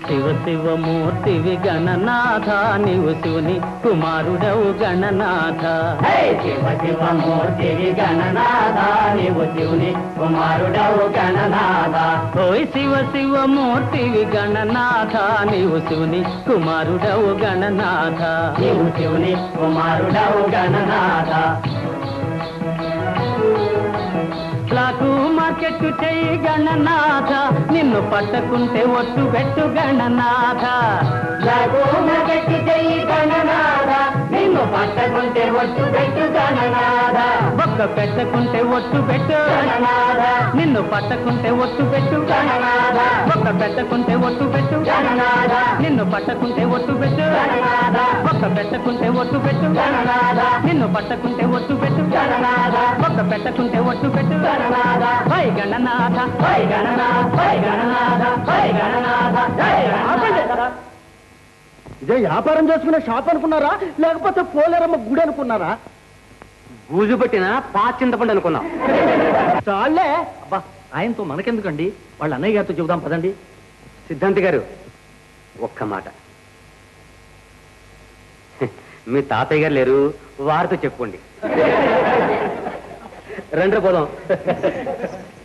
శివ శివమూర్తివి గణనాథ నీవు శివుని కుమారుడవు గణనాథ. శివ శివమూర్తివి గణనాథ నీవు శివుని కుమారుడవు గణనాథ. ఓయ్ శివ శివమూర్తివి గణనాథ నీవు శివుని కుమారుడవు గణనాథ. నీవు శివుని కుమారుడవు గణనాథ. బ్లాకు మార్కెట్ చెయ్యి గణనాథ నిన్ను పట్టకుంటే ఒట్టు పెట్టు గణనాథ. బ్లాకు మార్కెట్ చెయ్యి గణనాథ నిన్ను పట్టకుంటే ఒట్టు పెట్టు గణనాథ. బొక్క పెట్టకుంటే ఒట్టు పెట్టు గణనాథ. నిన్ను పట్టకుంటే ఒట్టు పెట్టు గణనాథ. బొక్క పెట్టకుంటే ఒట్టు పెట్టు గణనాథ. నిన్ను పట్టకుంటే ఒట్టు పెట్టు గణనాథ. బొక్క పెట్టకుంటే ఒట్టు పెట్టు గణనాథ. నిన్ను పట్టకుంటే ఒట్టు పెట్టు గణనాథ. బొక్క పెట్టకుంటే ఒట్టు పెట్టు గణనాథ. వై గణనాథ వై గణనాథ వై గణనాథ వై గణనాథ జై గణనాథ. ఇదే వ్యాపారం చేసుకునే షాప్ అనుకున్నారా లేకపోతే పోలేరమ్మ గుడి అనుకున్నారా? బూజు పట్టిన పాచింతపండు అనుకున్నాం. చాలే. అబ్బా ఆయనతో మనకెందుకండి, వాళ్ళ అన్నయ్య గారితో చెబుదాం పదండి. సిద్ధాంతి గారు ఒక్క మాట, మీ తాతయ్య గారు లేరు, వారితో చెప్పుకోండి. రండి పోదాం.